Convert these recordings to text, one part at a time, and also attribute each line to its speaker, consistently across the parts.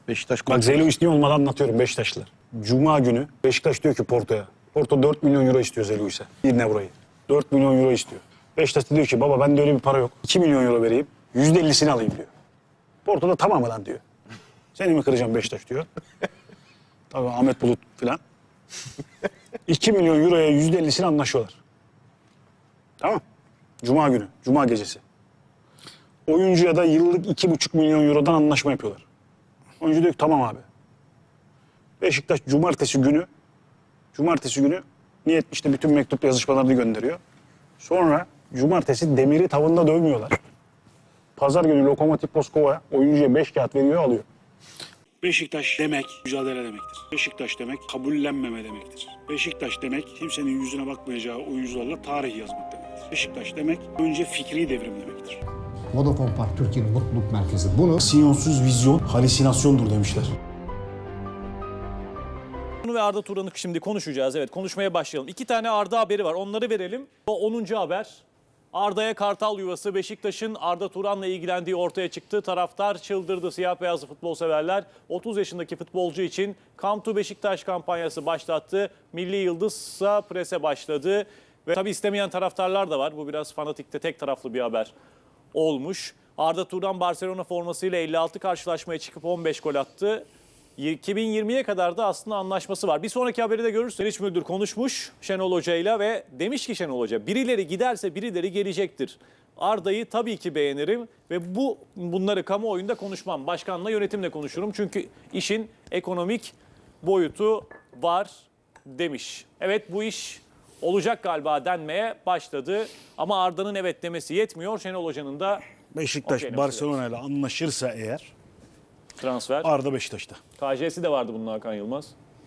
Speaker 1: Beşiktaş
Speaker 2: Bak Zeylo istiyor olmadan anlatıyorum Beşiktaşlılar. Cuma günü Beşiktaş diyor ki Porto'ya. Porto 4 milyon euro istiyor Zeylo ise. Yine burayı. 4 milyon euro istiyor. Beşiktaş da diyor ki baba bende öyle bir para yok. 2 milyon euro vereyim. %50'sini alayım diyor. Porto da tamam lan diyor. Seni mi kıracağım Beşiktaş diyor. Tabii Ahmet Bulut filan. 2 milyon euroya %50'sini anlaşıyorlar. Tamam. Cuma günü. Cuma gecesi. Oyuncuya da yıllık 2,5 milyon eurodan anlaşma yapıyorlar. Oyuncu diyor ki tamam abi. Beşiktaş cumartesi günü niyet işte bütün mektup yazışmalarını gönderiyor. Sonra cumartesi Demir'i tavında dövmüyorlar. Pazar günü Lokomotiv Moskova oyuncuya 5 kağıt veriyor alıyor. Beşiktaş demek mücadele demektir. Beşiktaş demek kabullenmeme demektir. Beşiktaş demek kimsenin yüzüne bakmayacağı oyuncularla tarih yazmak demektir. Beşiktaş demek önce fikri devrim demektir.
Speaker 3: Vodafone Park Türkiye'nin mutluluk merkezi. Bunu
Speaker 2: Siyonsuz vizyon halüsinasyondur demişler.
Speaker 4: Ve Arda Turan'ı şimdi konuşacağız. Evet, konuşmaya başlayalım. 2 tane Arda haberi var. Onları verelim. O 10. haber. Arda'ya Kartal yuvası. Beşiktaş'ın Arda Turan'la ilgilendiği ortaya çıktı. Taraftar çıldırdı. Siyah beyazlı futbol severler 30 yaşındaki futbolcu için Come to Beşiktaş kampanyası başlattı. Milli Yıldız'a prese başladı. Ve tabii istemeyen taraftarlar da var. Bu biraz fanatikte tek taraflı bir haber olmuş. Arda Turan Barcelona formasıyla 56 karşılaşmaya çıkıp 15 gol attı. 2020'ye kadar da aslında anlaşması var. Bir sonraki haberi de görürsün. Meriç Müldür konuşmuş Şenol Hoca'yla ve demiş ki Şenol Hoca birileri giderse birileri gelecektir. Arda'yı tabii ki beğenirim ve bunları kamuoyunda konuşmam. Başkanla yönetimle konuşurum. Çünkü işin ekonomik boyutu var demiş. Evet bu iş olacak galiba denmeye başladı. Ama Arda'nın evet demesi yetmiyor. Şenol Hoca'nın da
Speaker 2: Beşiktaş Barcelona ile anlaşırsa eğer
Speaker 4: transfer.
Speaker 2: Arda Beşiktaş'ta.
Speaker 4: KJ'si de vardı bunun Hakan Yılmaz.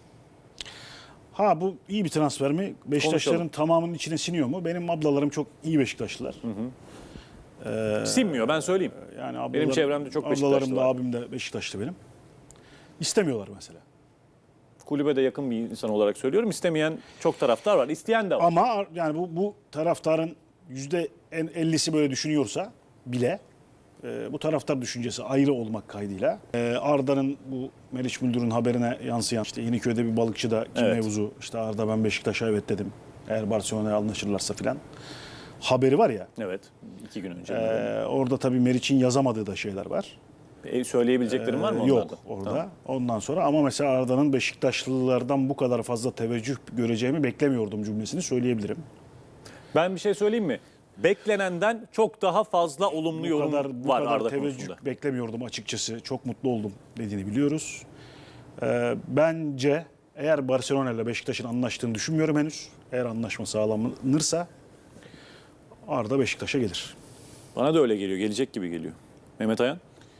Speaker 2: Ha bu iyi bir transfer mi? Beşiktaşların
Speaker 4: Konuşalım.
Speaker 2: tamamının içine siniyor mu? Benim ablalarım çok iyi Beşiktaşlılar.
Speaker 4: Sinmiyor ben söyleyeyim.
Speaker 2: Yani
Speaker 4: Benim çevremde çok Beşiktaşlı
Speaker 2: ablalarım da
Speaker 4: var.
Speaker 2: abim de Beşiktaşlı benim. İstemiyorlar mesela.
Speaker 4: Kulübe de yakın bir insan olarak söylüyorum. İstemeyen çok taraftar var. İsteyen de var.
Speaker 2: Ama yani bu taraftarın %50'si böyle düşünüyorsa bile bu taraftar düşüncesi ayrı olmak kaydıyla Arda'nın bu Meriç Müldür'ün haberine yansıyan işte Yeniköy'de bir balıkçıda kim
Speaker 4: Evet.
Speaker 2: mevzu işte Arda ben Beşiktaş'a evet dedim eğer Barcelona'ya anlaşırlarsa filan haberi var ya.
Speaker 4: Evet. 2 gün önce.
Speaker 2: Orada tabii Meriç'in yazamadığı da şeyler var.
Speaker 4: Söyleyebileceklerim var mı onlarda?
Speaker 2: Yok orada. Tamam. Ondan sonra ama mesela Arda'nın Beşiktaşlılardan bu kadar fazla teveccüh göreceğimi beklemiyordum cümlesini söyleyebilirim.
Speaker 4: Ben bir şey söyleyeyim mi? Beklenenden çok daha fazla olumlu yorum
Speaker 2: Bu
Speaker 4: var
Speaker 2: kadar
Speaker 4: Arda
Speaker 2: teveccüh
Speaker 4: konusunda.
Speaker 2: beklemiyordum açıkçası. Çok mutlu oldum dediğini biliyoruz. Bence eğer Barcelona ile Beşiktaş'ın anlaştığını düşünmüyorum henüz. Eğer anlaşma sağlanırsa Arda Beşiktaş'a gelir.
Speaker 4: Bana da öyle geliyor. Gelecek gibi geliyor. Mehmet Ayan?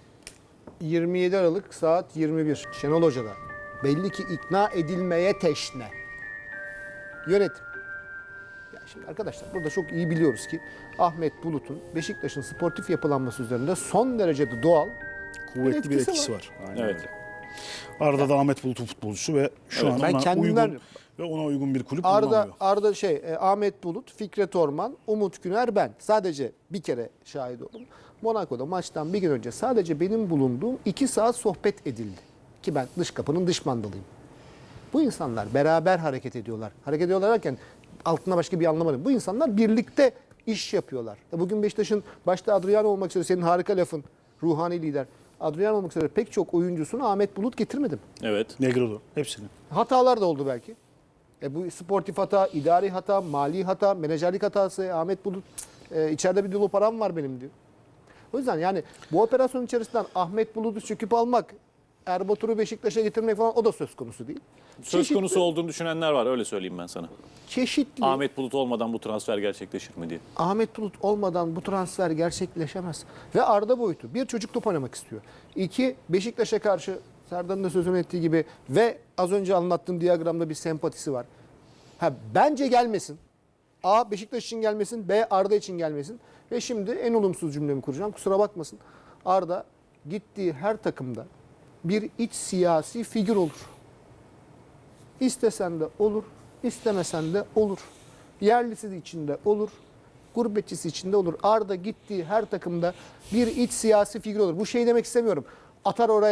Speaker 3: 27 Aralık saat 21. Şenol Hoca'da. Belli ki ikna edilmeye teşne. Yönetim. Ya şimdi arkadaşlar burada çok iyi biliyoruz ki Ahmet Bulut'un Beşiktaş'ın sportif yapılanması üzerinde son derece de doğal
Speaker 2: Kuvvetli bir etkisi var. Aynen
Speaker 4: Evet.
Speaker 2: öyle. Arda da Ahmet Bulut'un futbolcusu ve şu an
Speaker 3: Ben
Speaker 2: ona
Speaker 3: kendimden-
Speaker 2: uygun ve ona uygun bir kulüp bulunamıyor.
Speaker 3: Ahmet Bulut, Fikret Orman, Umut Güner ben. Sadece bir kere şahit oldum. Monaco'da maçtan bir gün önce sadece benim bulunduğum 2 saat sohbet edildi. Ki ben dış kapının dış mandalıyım. Bu insanlar beraber hareket ediyorlar. Hareket ediyorlar derken altına başka bir anlam arıyorum. Bu insanlar birlikte iş yapıyorlar. Bugün Beşiktaş'ın başta Adriano olmak üzere senin harika lafın, ruhani lider. Adriano olmak üzere pek çok oyuncusunu Ahmet Bulut getirmedim.
Speaker 4: Evet.
Speaker 2: Negredo hepsini.
Speaker 3: Hatalar da oldu belki. Bu sportif hata, idari hata, mali hata, menajerlik hatası. Ahmet Bulut içeride bir dolu param var benim diyor. O yüzden yani bu operasyon içerisinden Ahmet Bulut'u çöküp almak, Erbatur'u Beşiktaş'a getirmek falan o da söz konusu değil.
Speaker 4: Söz konusu olduğunu düşünenler var. Öyle söyleyeyim ben sana.
Speaker 3: Çeşitli.
Speaker 4: Ahmet Bulut olmadan bu transfer gerçekleşir mi diye.
Speaker 3: Ahmet Bulut olmadan bu transfer gerçekleşemez. Ve Arda boyutu. Bir, çocuk top oynamak istiyor. 2, Beşiktaş'a karşı Serdar'ın da sözünü ettiği gibi ve az önce anlattığım diyagramda bir sempatisi var. Bence gelmesin. A, Beşiktaş için gelmesin. B, Arda için gelmesin. Ve şimdi en olumsuz cümlemi kuracağım. Kusura bakmasın. Arda gittiği her takımda bir iç siyasi figür olur. İstesen de olur, istemesen de olur. Yerlisi içinde olur, gurbetçisi içinde olur. Arda gittiği her takımda bir iç siyasi figür olur. Bu şey demek istemiyorum. Atar oraya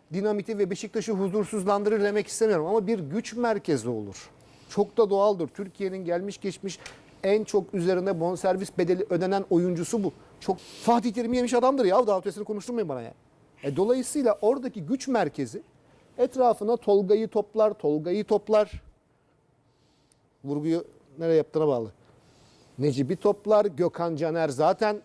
Speaker 3: dinamiti ve Beşiktaş'ı huzursuzlandırır demek istemiyorum ama bir güç merkezi olur. Çok da doğaldır. Türkiye'nin gelmiş geçmiş en çok üzerine bonservis bedeli ödenen oyuncusu bu. Çok Fatih Terim'i yemiş adamdır ya. Daha ötesini konuşturmayın bana ya. Dolayısıyla oradaki güç merkezi etrafına Tolga'yı toplar. Vurguyu nereye yaptığına bağlı. Necip'i toplar. Gökhan Caner zaten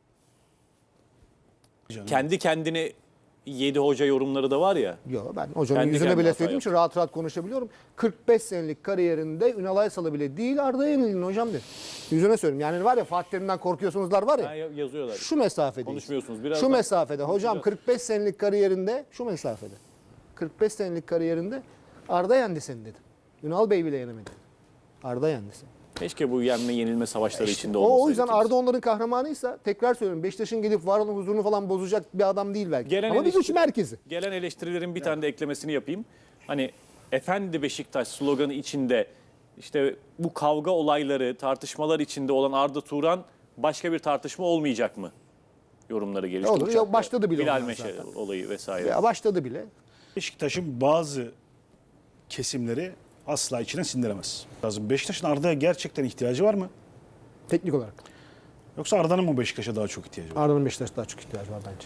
Speaker 4: Kendi kendini yedi hoca yorumları da var ya.
Speaker 3: yok, ben hocanın
Speaker 4: Kendi
Speaker 3: yüzüne
Speaker 4: kendine
Speaker 3: bile
Speaker 4: hata
Speaker 3: söylediğim için rahat rahat konuşabiliyorum. 45 senelik kariyerinde Ünal Aysal'ı bile değil Arda'ya yenildin hocam dedi. Yüzüne söyleyeyim. Yani var ya Fatih Terim'den korkuyorsunuzlar var
Speaker 4: Ha,
Speaker 3: ya.
Speaker 4: yazıyorlar.
Speaker 3: Şu mesafedeyiz.
Speaker 4: Konuşmuyorsunuz. Biraz
Speaker 3: Şu
Speaker 4: da-
Speaker 3: mesafede hocam 45 senelik kariyerinde şu mesafede. 45 senelik kariyerinde Arda yendi seni dedim. Ünal Bey bile yenemedi. Arda yendi seni.
Speaker 4: Keşke bu yenme yenilme savaşları içinde olmasaydı.
Speaker 3: O yüzden
Speaker 4: kimse.
Speaker 3: Arda onların kahramanıysa tekrar söylüyorum Beşiktaş'ın gelip var olan huzurunu falan bozacak bir adam değil belki.
Speaker 4: Gelen
Speaker 3: Ama bir güç
Speaker 4: eleştiri-
Speaker 3: merkezi.
Speaker 4: Gelen eleştirilerin bir tane de eklemesini yapayım. Hani Efendi Beşiktaş sloganı içinde işte bu kavga olayları, tartışmalar içinde olan Arda Turan başka bir tartışma olmayacak mı? Yorumları gelişti.
Speaker 3: Olur,
Speaker 4: Uçakta.
Speaker 3: başladı bile
Speaker 4: Bilal
Speaker 3: onlar
Speaker 4: Meşe
Speaker 3: zaten.
Speaker 4: olayı vesaire.
Speaker 3: Ya başladı bile.
Speaker 2: Beşiktaş'ın bazı kesimleri asla içine sindiremez. Lazım. Beşiktaş'ın Arda'ya gerçekten ihtiyacı var mı?
Speaker 3: Teknik olarak.
Speaker 2: Yoksa Arda'nın mı Beşiktaş'a daha çok ihtiyacı var?
Speaker 3: Arda'nın Beşiktaş'a daha çok ihtiyacı var bence.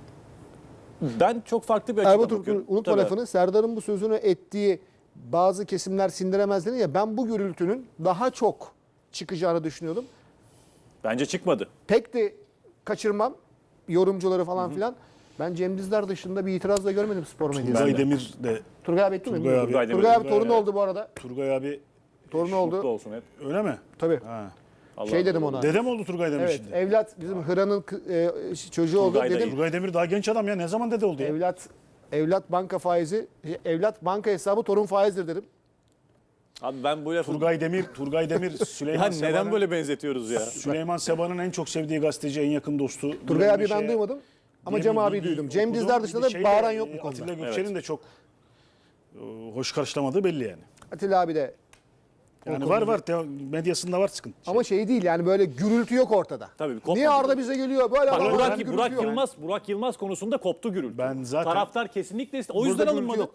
Speaker 4: Ben çok farklı bir açıdan
Speaker 3: Erbat
Speaker 4: bakıyorum.
Speaker 3: unutma
Speaker 4: Tabii.
Speaker 3: lafını. Serdar'ın bu sözünü ettiği bazı kesimler sindiremez dedi ya, ben bu gürültünün daha çok çıkacağını düşünüyordum.
Speaker 4: Bence çıkmadı.
Speaker 3: Pek de kaçırmam yorumcuları falan filan. Ben Cem Dizdar dışında bir itiraz da görmedim spor medyasında.
Speaker 2: Turgay Demir de
Speaker 3: Turgay abi etti mi?
Speaker 2: Turgay abi.
Speaker 3: Turgay abi,
Speaker 4: Turgay abi.
Speaker 3: torunu oldu bu arada.
Speaker 2: Turgay abi
Speaker 3: Torunu
Speaker 4: Mutlu
Speaker 3: oldu.
Speaker 4: olsun hep.
Speaker 2: öyle mi?
Speaker 3: Tabii.
Speaker 2: Ha.
Speaker 4: Allah
Speaker 3: Şey dedim
Speaker 4: Allah.
Speaker 3: ona.
Speaker 2: Dedem oldu Turgay Demir
Speaker 3: Evet,
Speaker 2: şimdi.
Speaker 3: evlat bizim Hıra'nın çocuğu oldu
Speaker 4: Turgay da
Speaker 3: dedim.
Speaker 2: Turgay Demir daha genç adam ya. Ne zaman dede oldu ya?
Speaker 3: Evlat banka faizi, evlat banka hesabı torun faizdir dedim.
Speaker 4: Abi ben bu lafı...
Speaker 2: Turgay Demir,
Speaker 4: Ya
Speaker 2: Süleyman
Speaker 4: neden
Speaker 2: Seba'nın
Speaker 4: böyle benzetiyoruz ya?
Speaker 2: Süleyman Seba'nın en çok sevdiği gazeteci, en yakın dostu.
Speaker 3: Turgay
Speaker 2: Bilal
Speaker 3: abi ben
Speaker 2: Meşe'ye
Speaker 3: duymadım ama
Speaker 2: diye
Speaker 3: Cem
Speaker 2: bir
Speaker 3: abi
Speaker 2: bilgi
Speaker 3: duydum. Cem
Speaker 2: okudum.
Speaker 3: Dizdar dışında
Speaker 2: Bir
Speaker 3: da
Speaker 2: şeyle,
Speaker 3: bağıran yok bu
Speaker 2: Atilla
Speaker 3: konuda.
Speaker 2: Gökçen'in de çok hoş karşılamadığı belli yani.
Speaker 3: Atilla abi de
Speaker 2: Yani var medyasında var sıkıntı.
Speaker 3: ama şey değil yani böyle gürültü yok ortada.
Speaker 4: Tabii, kopmadı.
Speaker 3: Niye Arda bize geliyor? Böyle
Speaker 4: Bak,
Speaker 3: adamlar
Speaker 4: Burak,
Speaker 3: gürültü
Speaker 4: Burak
Speaker 3: yok.
Speaker 4: Burak Yılmaz konusunda koptu gürültü.
Speaker 2: Ben zaten-
Speaker 4: Taraftar kesinlikle o
Speaker 3: Burada
Speaker 4: yüzden
Speaker 3: gürültü
Speaker 4: alınmadı.
Speaker 3: yok.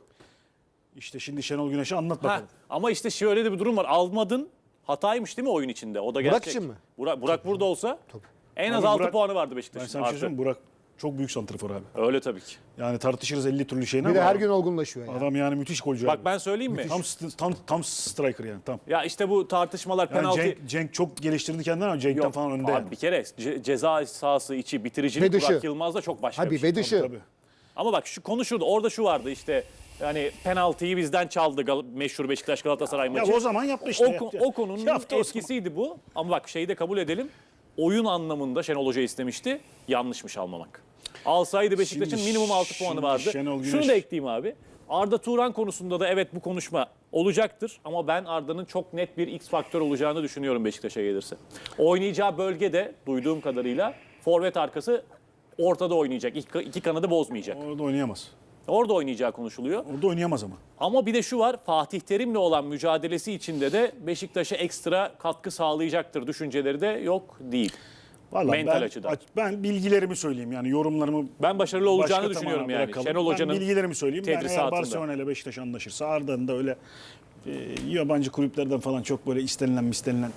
Speaker 2: İşte şimdi Şenol Güneş'e anlat
Speaker 4: Ha,
Speaker 2: bakalım.
Speaker 4: ama işte şöyle de bir durum var. Almadın hataymış değil mi oyun içinde? O da gerçek.
Speaker 3: için mi?
Speaker 4: Burak burada olsa en az
Speaker 2: Abi
Speaker 4: 6
Speaker 2: Burak-
Speaker 4: puanı vardı
Speaker 2: Ben
Speaker 4: Beşiktaş'ın.
Speaker 2: sana bir şey
Speaker 4: Artı.
Speaker 2: söyleyeyim mi? Burak çok büyük santrfor abi.
Speaker 4: Öyle tabii ki.
Speaker 2: Yani tartışırız 50 türlü şeyini
Speaker 3: Bir de
Speaker 2: ama
Speaker 3: her gün olgunlaşıyor yani.
Speaker 2: adam yani müthiş golcü
Speaker 4: Bak
Speaker 2: abi.
Speaker 4: ben söyleyeyim mi?
Speaker 2: Tam striker yani tam.
Speaker 4: Ya işte bu tartışmalar
Speaker 2: Yani
Speaker 4: penaltı.
Speaker 2: Cenk çok geliştirdi kendini ama Cenk'ten
Speaker 4: Yok,
Speaker 2: falan önde.
Speaker 4: abi
Speaker 2: yani.
Speaker 4: bir kere ceza sahası içi bitiricilik
Speaker 3: Ve dışı.
Speaker 4: Burak Yılmaz'da çok başka
Speaker 3: Abi
Speaker 4: bir şey.
Speaker 3: ve dışı.
Speaker 2: Tabii.
Speaker 4: Ama bak şu konu şurada. Orada şu vardı işte. Yani penaltıyı bizden çaldı meşhur Beşiktaş Galatasaray
Speaker 2: Ya
Speaker 4: maçı.
Speaker 2: o zaman yaptı işte. yaptı.
Speaker 4: O konunun
Speaker 2: Yaptı o zaman.
Speaker 4: etkisiydi bu. Ama bak şeyi de kabul edelim. Oyun anlamında Şenol Hoca istemişti. Yanlışmış almamak. Alsaydı Beşiktaş'ın
Speaker 2: Şimdi-
Speaker 4: minimum 6 puanı
Speaker 2: şimdi
Speaker 4: vardı.
Speaker 2: Şenol
Speaker 4: Şunu
Speaker 2: Güneş-
Speaker 4: da ekleyeyim abi. Arda Turan konusunda da evet bu konuşma olacaktır. Ama ben Arda'nın çok net bir X faktör olacağını düşünüyorum Beşiktaş'a gelirse. Oynayacağı bölgede duyduğum kadarıyla forvet arkası ortada oynayacak. İki kanadı bozmayacak.
Speaker 2: Orada oynayamaz.
Speaker 4: Orada oynayacağı konuşuluyor.
Speaker 2: Orada oynayamaz ama.
Speaker 4: Ama bir de şu var, Fatih Terim'le olan mücadelesi içinde de Beşiktaş'a ekstra katkı sağlayacaktır düşünceleri de yok değil.
Speaker 2: Vallahi
Speaker 4: Mental açıdan.
Speaker 2: Ben bilgilerimi söyleyeyim yani yorumlarımı
Speaker 4: Ben başarılı olacağını
Speaker 2: başka
Speaker 4: düşünüyorum
Speaker 2: tamamen
Speaker 4: yani.
Speaker 2: bırakalım.
Speaker 4: Şenol Hoca'nın
Speaker 2: ben bilgilerimi söyleyeyim. Ben eğer
Speaker 4: tedrisatında.
Speaker 2: Barcelona ile Beşiktaş anlaşırsa Arda'nın da öyle yabancı kulüplerden falan çok böyle istenilen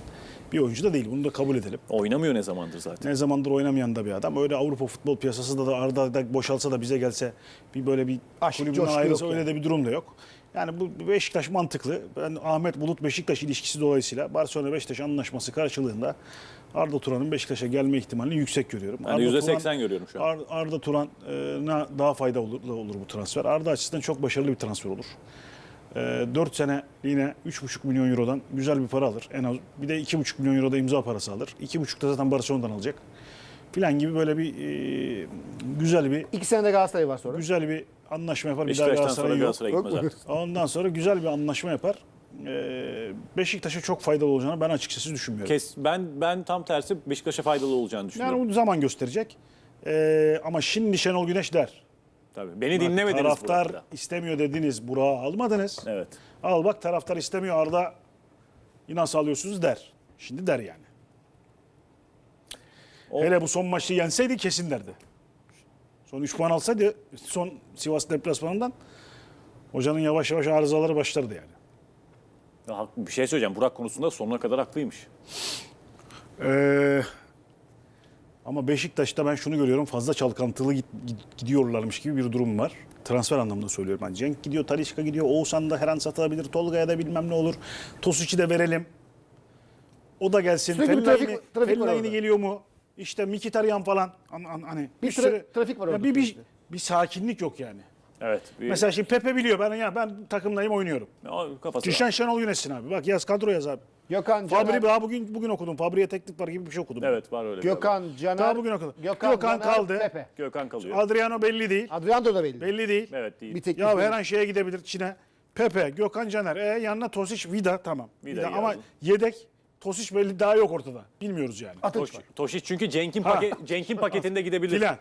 Speaker 2: bir oyuncu da değil. Bunu da kabul edelim.
Speaker 4: Oynamıyor ne zamandır zaten.
Speaker 2: Ne zamandır oynamayan da bir adam. Öyle Avrupa futbol piyasasında da Arda da boşalsa da bize gelse bir böyle bir
Speaker 3: Aşk,
Speaker 2: kulübünden
Speaker 3: coşku
Speaker 2: ayrılsa
Speaker 3: yok
Speaker 2: öyle
Speaker 3: yani.
Speaker 2: de bir durum da yok. Yani bu Beşiktaş mantıklı. Ben Ahmet Bulut Beşiktaş ilişkisi dolayısıyla Barcelona Beşiktaş anlaşması karşılığında Arda Turan'ın Beşiktaş'a gelme ihtimalini yüksek görüyorum.
Speaker 4: Ben de %80 görüyorum şu an.
Speaker 2: Arda Turan'a daha fayda olur bu transfer. Arda açısından çok başarılı bir transfer olur. 4 seneliğine 3,5 milyon eurodan güzel bir para alır. En az bir de 2,5 milyon euroda imza parası alır. 2,5 da zaten Barcelona'dan alacak. Filan gibi böyle bir güzel bir
Speaker 3: 2 senede Galatasaray var sonra.
Speaker 2: güzel bir anlaşma yapar. Bir daha
Speaker 4: Beşiktaş'tan sonra
Speaker 2: Galatasaray yok.
Speaker 4: Galatasaray'a
Speaker 3: Yok
Speaker 4: gitmez
Speaker 3: mu?
Speaker 4: artık.
Speaker 2: Ondan sonra güzel bir anlaşma yapar. Beşiktaş'a çok faydalı olacağını ben açıkçası düşünmüyorum.
Speaker 4: Ben tam tersi Beşiktaş'a faydalı olacağını düşünüyorum.
Speaker 2: Yani o zaman gösterecek. Ama şimdi Şenol Güneş der.
Speaker 4: Tabii. Beni dinlemediniz
Speaker 2: Taraftar
Speaker 4: burada.
Speaker 2: istemiyor dediniz. Burak'ı almadınız.
Speaker 4: Evet.
Speaker 2: Al bak taraftar istemiyor Arda. Nasıl alıyorsunuz der. Şimdi der yani. Hele bu son maçı yenseydi kesin derdi. Son 3 puan alsaydı son Sivas deplasmanından hocanın yavaş yavaş arızaları başlardı yani.
Speaker 4: Ya, bir şey söyleyeceğim. Burak konusunda sonuna kadar haklıymış.
Speaker 2: Ama Beşiktaş'ta ben şunu görüyorum. Fazla çalkantılı gidiyorlarmış gibi bir durum var. Transfer anlamında söylüyorum. Yani Cenk gidiyor, Talisca gidiyor. Oğuzhan da her an satılabilir. Tolga'ya da bilmem ne olur. Tosic'i de verelim. O da gelsin.
Speaker 3: Sürekli bir trafik var
Speaker 2: Fellaini
Speaker 3: orada.
Speaker 2: geliyor mu? İşte Mkhitaryan falan. Hani
Speaker 3: Bir trafik var orada.
Speaker 2: Bir sakinlik yok yani.
Speaker 4: Evet.
Speaker 2: Mesela şimdi Pepe biliyor ben takımdayım oynuyorum.
Speaker 4: Kafası
Speaker 2: Kişen Şenol yönetsin abi. Bak yaz kadro yaz abi.
Speaker 3: Gökhan
Speaker 2: Fabri
Speaker 3: Caner,
Speaker 2: daha bugün okudum. Fabri'ye teklif var gibi bir şey okudum.
Speaker 4: Evet, var öyle.
Speaker 3: Gökhan Caner,
Speaker 2: Daha bugün okudum.
Speaker 3: Gökhan
Speaker 2: Gökhan
Speaker 3: Caner,
Speaker 2: kaldı.
Speaker 3: Pepe.
Speaker 4: Gökhan kalıyor.
Speaker 2: Adriano belli değil.
Speaker 3: Adriano da belli.
Speaker 2: Belli değil.
Speaker 4: Evet, değil.
Speaker 3: Bir teklif
Speaker 2: Ya
Speaker 3: var.
Speaker 2: her an şeye gidebilir Çin'e. Pepe, Gökhan Caner. Yanına Tosic, Vida tamam.
Speaker 4: Vida
Speaker 2: Ama
Speaker 4: yazdım.
Speaker 2: yedek Tosic belli daha yok ortada. Bilmiyoruz yani.
Speaker 3: Atıç var.
Speaker 4: Tošić çünkü Cenk'in
Speaker 2: Ha.
Speaker 4: Cenk'in paketinde gidebilir.
Speaker 2: Filan.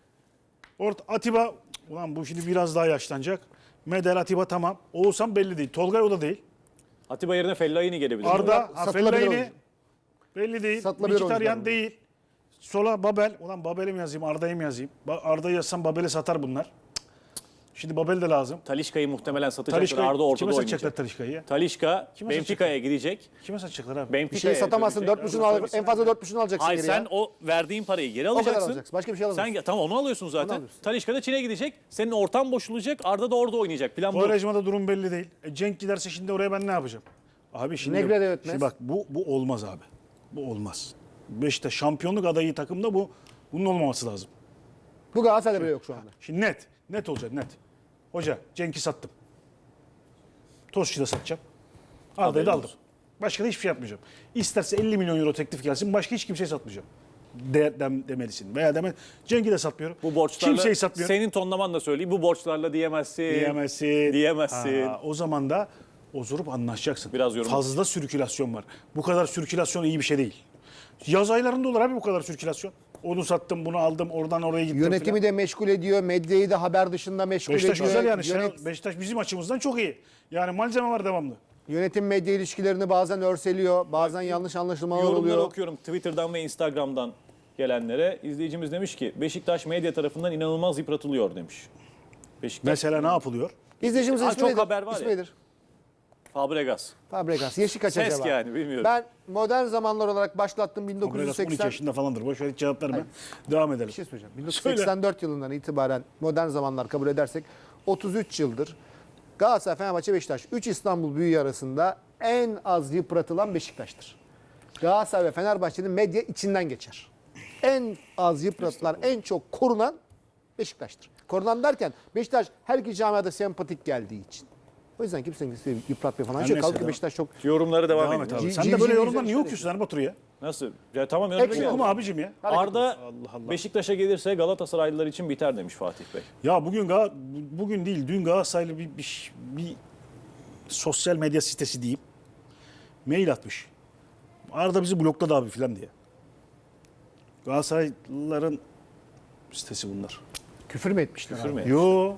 Speaker 2: Atiba, ulan bu şimdi biraz daha yaşlanacak. Medel, Atiba tamam. Oğuzhan belli değil. Tolgay o da değil.
Speaker 4: Atiba yerine Fellaini gelebilir.
Speaker 2: Arda,
Speaker 3: Satılabilir
Speaker 2: Fellaini
Speaker 3: oyuncu.
Speaker 2: belli değil.
Speaker 3: Satılabilir
Speaker 2: Mkhitaryan
Speaker 3: oyuncular
Speaker 2: değil. Sola Babel. Ulan Babel'i mi yazayım, Arda'yı mı yazayım? Arda'yı yazsam Babel'i satar bunlar. Cık. Şimdi Babel de lazım.
Speaker 4: Talişka'yı muhtemelen satacaklar.
Speaker 2: Talişka'yı
Speaker 4: Arda ortada
Speaker 2: kime satacaklar
Speaker 4: oynayacak.
Speaker 2: Talişka'yı ya?
Speaker 4: Talişka
Speaker 2: Kime
Speaker 4: Benfica'ya gidecek.
Speaker 2: Kime satacaklar abi?
Speaker 3: Bir
Speaker 4: Benfica'ya
Speaker 3: şey satamazsın.
Speaker 4: götürecek.
Speaker 3: 4,5'unu al, en fazla 4,5'unu alacaksın
Speaker 4: Hayır
Speaker 3: geri
Speaker 4: sen
Speaker 3: ya.
Speaker 4: o verdiğin parayı geri
Speaker 3: kadar
Speaker 4: alacaksın.
Speaker 3: alacaksın. Başka bir şey alamazsın.
Speaker 4: Sen tamam onu alıyorsun zaten.
Speaker 3: alıyorsun.
Speaker 4: Talişka da Çin'e gidecek. Senin ortam boşulacak. Arda da orada oynayacak. Plan bu.
Speaker 2: Quaresma'da durum belli değil. Cenk giderse şimdi oraya ben ne yapacağım? Abi şimdi,
Speaker 3: Negre de yönetmez.
Speaker 2: şimdi bak bu olmaz abi. Bu olmaz. Beşiktaş şampiyonluk adayı takımda bunun olmaması lazım.
Speaker 3: Bu Galatasaray'da bile yok şu anda.
Speaker 2: Şimdi net olacak net. Hoca Cenk'i sattım. Tosic'i de satacağım. Arda'yı da
Speaker 4: Haberin
Speaker 2: aldım.
Speaker 4: olsun.
Speaker 2: Başka da hiçbir şey yapmayacağım. İsterse 50 milyon euro teklif gelsin. Başka hiç kimseyi satmayacağım. Demelisin. Veya Cenk'i de satmıyorum.
Speaker 4: Bu borçlarla
Speaker 2: Kimseyi satmıyorum.
Speaker 4: senin tonlamanla söyleyeyim. Bu borçlarla diyemezsin. Diyemezsin.
Speaker 2: O zaman da oturup anlaşacaksın.
Speaker 4: Biraz yorum.
Speaker 2: Fazla sirkülasyon var. Bu kadar sirkülasyon iyi bir şey değil. Yaz aylarında olur abi bu kadar sirkülasyon. Onu sattım, bunu aldım, oradan oraya gittim
Speaker 3: Yönetimi
Speaker 2: filan.
Speaker 3: de meşgul ediyor. Medyayı da haber dışında meşgul
Speaker 2: Beşiktaş
Speaker 3: ediyor.
Speaker 2: güzel yani.
Speaker 3: Yönet-
Speaker 2: Beşiktaş bizim açımızdan çok iyi. Yani malzeme var devamlı.
Speaker 3: Yönetim medya ilişkilerini bazen örseliyor. Bazen yanlış anlaşılmalar
Speaker 4: Yorumları
Speaker 3: oluyor.
Speaker 4: okuyorum Twitter'dan ve Instagram'dan gelenlere. İzleyicimiz demiş ki Beşiktaş medya tarafından inanılmaz yıpratılıyor demiş. Beşiktaş
Speaker 2: Mesela ne yapılıyor?
Speaker 3: İzleyicimizin
Speaker 4: Aa,
Speaker 3: ismi
Speaker 4: çok
Speaker 3: nedir?
Speaker 4: haber var ya.
Speaker 3: İsmi nedir?
Speaker 4: Fabregas.
Speaker 3: Fabregas. Yaşı kaç
Speaker 4: Ses
Speaker 3: acaba?
Speaker 4: yani, bilmiyorum.
Speaker 3: Ben modern zamanlar olarak başlattım
Speaker 2: Fabregas 12
Speaker 3: 1980.
Speaker 2: yaşında falandır. Boş ver hiç cevap verme. Devam edelim.
Speaker 3: Bir şey söyleyeceğim. 1984 yılından itibaren modern zamanlar kabul edersek 33 yıldır Galatasaray, Fenerbahçe, Beşiktaş 3 İstanbul büyüğü arasında en az yıpratılan Beşiktaş'tır. Galatasaray ve Fenerbahçe'nin medya içinden geçer. En az yıpratılan, en çok korunan Beşiktaş'tır. Korunan derken Beşiktaş her iki camiada sempatik geldiği için. O yüzden kimsenin yıpratmıyor falan.
Speaker 2: Her
Speaker 3: Şey,
Speaker 2: neyse,
Speaker 3: kalkıyor
Speaker 2: devam.
Speaker 3: Beşiktaş çok
Speaker 4: Yorumları devam
Speaker 2: Devam et
Speaker 4: edin.
Speaker 2: abi.
Speaker 3: Civ-
Speaker 2: Sen de
Speaker 3: civ-
Speaker 2: böyle
Speaker 3: civ-
Speaker 2: yorumlar
Speaker 3: civ-
Speaker 2: niye
Speaker 3: civ-
Speaker 2: okuyorsun Erbatur ya?
Speaker 4: Nasıl? Ya tamam
Speaker 3: Hepsi
Speaker 4: yorumları
Speaker 2: Okuma abicim ya.
Speaker 4: Arda
Speaker 2: Allah.
Speaker 4: Beşiktaş'a gelirse Galatasaraylılar için biter demiş Fatih Bey.
Speaker 2: Ya bugün değil dün Galatasaraylı bir sosyal medya sitesi diyeyim. Mail atmış. Arda bizi blokladı abi filan diye. Galatasaraylıların sitesi bunlar.
Speaker 3: küfür mü etmişler?
Speaker 4: Küfür
Speaker 3: abi?
Speaker 4: mü?
Speaker 2: Yo.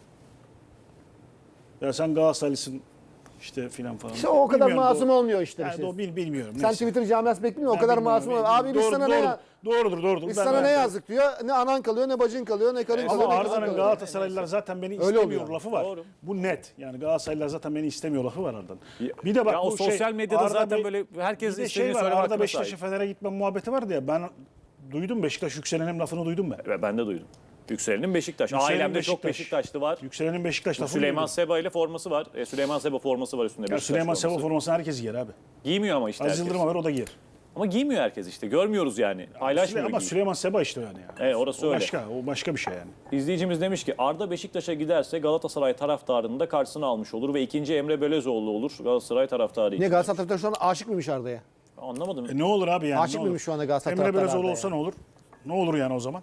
Speaker 2: Ya sen Galatasaraylısın işte filan falan.
Speaker 3: İşte o kadar
Speaker 2: Bilmiyorum,
Speaker 3: masum olmuyor işte.
Speaker 2: Yani
Speaker 3: işte.
Speaker 2: bilmiyorum.
Speaker 3: Sen
Speaker 2: neyse.
Speaker 3: Twitter camiası bekliyor o
Speaker 2: Ben
Speaker 3: kadar
Speaker 2: bilmiyorum,
Speaker 3: masum olmuyor. Abi biz sana ne
Speaker 2: Doğrudur.
Speaker 3: biz
Speaker 2: Ben-
Speaker 3: sana
Speaker 2: ben-
Speaker 3: ne yazdık diyor. Ne anan kalıyor, ne bacın kalıyor, ne karın kalıyor,
Speaker 2: Ama
Speaker 3: ne kızın
Speaker 2: Arda'nın
Speaker 3: kalıyor.
Speaker 2: Galatasaraylılar zaten beni
Speaker 3: Öyle
Speaker 2: istemiyor
Speaker 3: oluyor.
Speaker 2: lafı var.
Speaker 4: Doğru.
Speaker 2: Bu net. Yani Galatasaraylılar zaten beni istemiyor lafı var Arda'nın. Bir de bak
Speaker 4: Ya o
Speaker 2: bu
Speaker 4: sosyal medyada
Speaker 2: Arda
Speaker 4: zaten
Speaker 2: Bey-
Speaker 4: böyle herkes
Speaker 2: bir de
Speaker 4: istediğini
Speaker 2: şey var.
Speaker 4: söyleme
Speaker 2: Arda
Speaker 4: hakkına
Speaker 2: Beşiktaş'a
Speaker 4: sahip.
Speaker 2: Fener'e gitme muhabbeti vardı ya. Ben duydum Beşiktaş yükselenin lafını duydum ben.
Speaker 4: Ve ben de duydum. Yükselenin Beşiktaş.
Speaker 2: Yükselenin
Speaker 4: Ailemde çok
Speaker 2: Beşiktaş.
Speaker 4: Beşiktaşlı var.
Speaker 2: Yükselenin Beşiktaş lafını
Speaker 4: Süleyman
Speaker 2: duydum.
Speaker 4: Seba ile forması var. Süleyman Seba forması var üstünde.
Speaker 2: Ya
Speaker 4: Beşiktaş
Speaker 2: Süleyman Seba
Speaker 4: forması.
Speaker 2: formasını herkes giyer abi.
Speaker 4: Giymiyor ama işte
Speaker 2: Aziz
Speaker 4: herkes.
Speaker 2: Yıldırım'a ver o da giyer.
Speaker 4: Ama giymiyor herkes işte. Görmüyoruz yani. Paylaşmıyor.
Speaker 2: Ama
Speaker 4: giy.
Speaker 2: Süleyman Seba işte yani.
Speaker 4: Orası
Speaker 2: o
Speaker 4: öyle.
Speaker 2: o başka bir şey yani.
Speaker 4: İzleyicimiz demiş ki Arda Beşiktaş'a giderse Galatasaray taraftarını da karşısına almış olur ve ikinci Emre Belözoğlu olur Galatasaray taraftarı için.
Speaker 3: Niye Galatasaray taraftarı şu an aşık mıymış Arda'ya?
Speaker 4: Anlamadım.
Speaker 2: Ne olur abi yani?
Speaker 3: Aşık
Speaker 2: ne olur?
Speaker 3: mıymış şu anda Galatasaray
Speaker 2: Emre
Speaker 3: taraftarı
Speaker 2: Belözoğlu
Speaker 3: Arda'ya?
Speaker 2: olsa ne olur? Ne olur yani o zaman?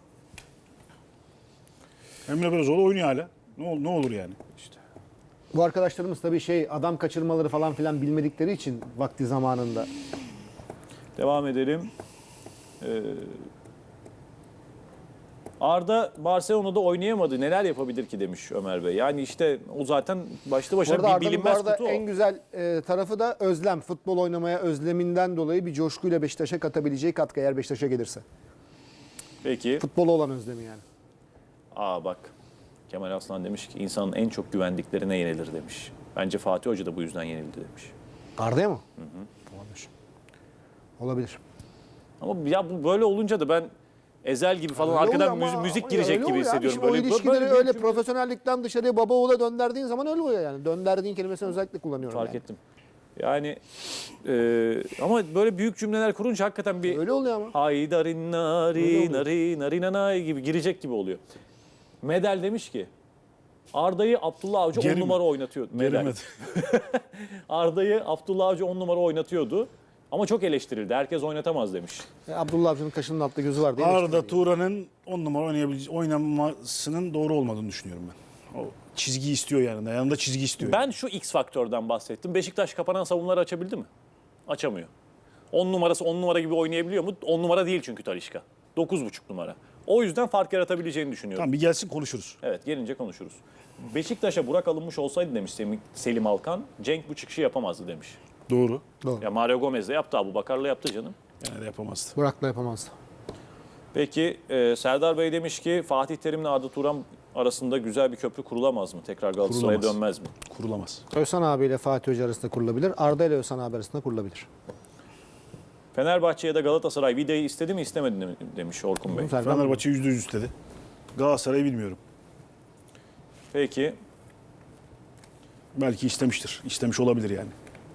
Speaker 2: Emre Belözoğlu oynuyor hala. Ne olur yani?
Speaker 3: Bu arkadaşlarımız tabii adam kaçırmaları falan filan bilmedikleri için vakti zamanında.
Speaker 4: Devam edelim. Arda Barcelona'da oynayamadı. Neler yapabilir ki demiş Ömer Bey. Yani işte o zaten başlı
Speaker 3: Bu
Speaker 4: başına
Speaker 3: arada
Speaker 4: bir
Speaker 3: Arda'nın bu
Speaker 4: bilinmez
Speaker 3: arada
Speaker 4: kutu o.
Speaker 3: en güzel tarafı da özlem. Futbol oynamaya özleminden dolayı bir coşkuyla Beşiktaş'a katabileceği katkı eğer Beşiktaş'a gelirse.
Speaker 4: Peki.
Speaker 3: Futbola olan özlemi yani.
Speaker 4: Bak Kemal Aslan demiş ki insanın en çok güvendiklerine yenilir demiş. Bence Fatih Hoca da bu yüzden yenildi demiş.
Speaker 3: Arda'ya mı? Olabilir. Olabilir.
Speaker 4: Ama ya bu böyle olunca da ben Ezel gibi falan
Speaker 3: Öyle
Speaker 4: arkadan
Speaker 3: oluyor ama-
Speaker 4: müzik
Speaker 3: ama
Speaker 4: girecek
Speaker 3: öyle
Speaker 4: gibi
Speaker 3: oluyor abi.
Speaker 4: hissediyorum.
Speaker 3: Şimdi o ilişkileri
Speaker 4: bir
Speaker 3: öyle
Speaker 4: cümle-
Speaker 3: profesyonellikten dışarıya baba oğula döndürdüğün zaman öyle oluyor yani. Dönderdiğin kelimesini özellikle kullanıyorum.
Speaker 4: Fark
Speaker 3: yani.
Speaker 4: ettim. Yani ama böyle büyük cümleler kurunca hakikaten bir
Speaker 3: Öyle oluyor ama.
Speaker 4: haydarin nari nari nari nanay gibi girecek gibi oluyor. Medel demiş ki Arda'yı Abdullah Avcı 10
Speaker 2: Geri mi?
Speaker 4: numara oynatıyordu. Medel.
Speaker 2: Gelemedi.
Speaker 4: Arda'yı Abdullah Avcı 10 numara oynatıyordu. Ama çok eleştirildi. Herkes oynatamaz demiş.
Speaker 3: Abdullah Avcı'nın kaşının altta gözü var diye.
Speaker 2: Arda Turan'ın 10 numara oynamasının doğru olmadığını düşünüyorum ben. O çizgi istiyor yani. Yanında çizgi istiyor.
Speaker 4: Ben şu X faktörden bahsettim. Beşiktaş kapanan savunmaları açabildi mi? Açamıyor. 10 numarası 10 numara gibi oynayabiliyor mu? 10 numara değil çünkü Talisca. 9,5 numara. O yüzden fark yaratabileceğini düşünüyorum.
Speaker 2: Tamam bir gelsin konuşuruz.
Speaker 4: Evet, gelince konuşuruz. Beşiktaş'a Burak alınmış olsaydı demiş Selim Alkan, Cenk bu çıkışı yapamazdı demiş.
Speaker 2: Doğru.
Speaker 4: Ya Mario Gomez de yaptı, Abubakar'la yaptı canım.
Speaker 2: Yani de yapamazdı.
Speaker 3: Burak'la yapamazdı.
Speaker 4: Peki Serdar Bey demiş ki Fatih Terim'le Arda Turan arasında güzel bir köprü kurulamaz mı? Tekrar Galatasaray'a
Speaker 2: Kurulamaz.
Speaker 4: dönmez mi?
Speaker 2: Kurulamaz.
Speaker 3: Özhan abiyle Fatih Hoca arasında kurulabilir. Arda ile Özhan abi arasında kurulabilir.
Speaker 4: Fenerbahçe ya da Galatasaray Vida'yı istedi mi istemedi mi demiş Orkun Bey.
Speaker 3: Serkan
Speaker 2: Fenerbahçe %100 istedi. Galatasaray'ı bilmiyorum.
Speaker 4: Peki
Speaker 2: Belki istemiştir. İstemiş olabilir yani.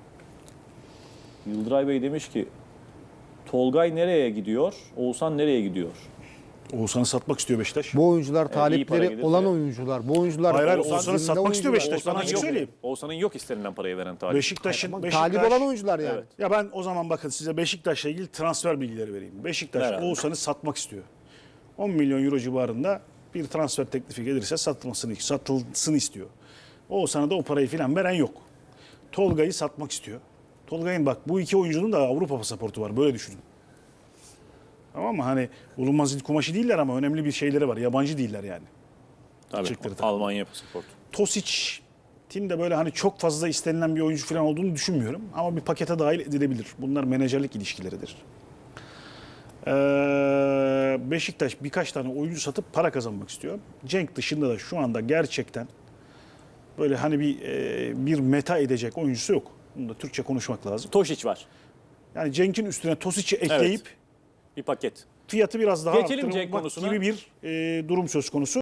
Speaker 4: Yıldıray Bey demiş ki Tolgay nereye gidiyor? Oğuzhan nereye gidiyor?
Speaker 2: Oğuzhan'ı satmak istiyor Beşiktaş.
Speaker 3: Bu oyuncular
Speaker 4: iyi para
Speaker 3: talipleri
Speaker 4: gelirse.
Speaker 3: olan oyuncular. Bu oyuncular
Speaker 2: Hayır, hayır,
Speaker 3: Oğuzhan
Speaker 2: Oğuzhan'ı
Speaker 3: zinde
Speaker 2: satmak istiyor
Speaker 3: oyuncular.
Speaker 2: Beşiktaş. Sana açık söyleyeyim.
Speaker 4: Oğuzhan'ın yok istenilen parayı veren talip.
Speaker 2: Beşiktaş'ın
Speaker 3: Talip olan oyuncular yani.
Speaker 4: Evet.
Speaker 2: Ya ben o zaman bakın size Beşiktaş'la ilgili transfer bilgileri vereyim. Beşiktaş
Speaker 4: Herhalde.
Speaker 2: Oğuzhan'ı satmak istiyor. 10 milyon euro civarında bir transfer teklifi gelirse satılsın istiyor. Oğuzhan'a da o parayı falan veren yok. Tolga'yı satmak istiyor. Tolga'nın bak bu iki oyuncunun da Avrupa pasaportu var. Böyle düşünün. Tamam mı? Hani bulunmaz il kumaşı değiller ama önemli bir şeyleri var. Yabancı değiller yani.
Speaker 4: Tabii,
Speaker 2: Çıktırdı.
Speaker 4: Almanya pasaportu.
Speaker 2: Tosic'in de böyle hani çok fazla istenilen bir oyuncu falan olduğunu düşünmüyorum. Ama bir pakete dahil edilebilir. Bunlar menajerlik ilişkileridir. Beşiktaş birkaç tane oyuncu satıp para kazanmak istiyor. Cenk dışında da şu anda gerçekten böyle hani bir meta edecek oyuncusu yok. Bunu da Türkçe konuşmak lazım.
Speaker 4: Tošić var.
Speaker 2: Yani Cenk'in üstüne Tosic'i ekleyip
Speaker 4: Bir paket.
Speaker 2: fiyatı biraz daha
Speaker 4: Geçelim Cenk
Speaker 2: arttırmak
Speaker 4: konusuna.
Speaker 2: gibi bir durum söz konusu.